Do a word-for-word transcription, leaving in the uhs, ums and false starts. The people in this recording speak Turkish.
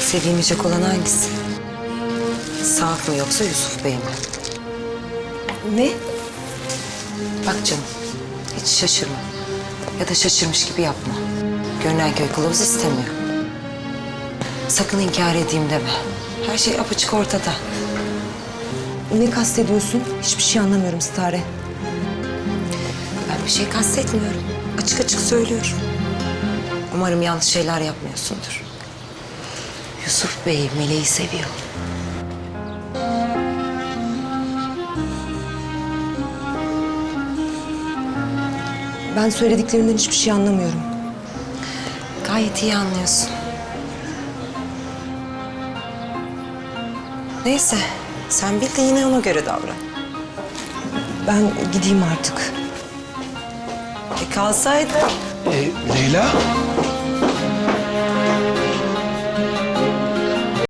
Sevilmeyecek olan hangisi? Saat mı yoksa Yusuf Bey mi? Ne? Bak canım, hiç şaşırma. Ya da şaşırmış gibi yapma. Görünen köy kılavuz istemiyor. Sakın inkar edeyim deme. Her şey apaçık ortada. Ne kastediyorsun? Hiçbir şey anlamıyorum Stare. Ben bir şey kastetmiyorum. Açık açık söylüyorum. Umarım yanlış şeyler yapmıyorsundur. Yusuf Bey Meleği seviyor. Ben söylediklerinden hiçbir şey anlamıyorum. Gayet iyi anlıyorsun. Neyse, sen bil de yine ona göre davran. Ben gideyim artık. E kalsaydı. Ee, Leyla?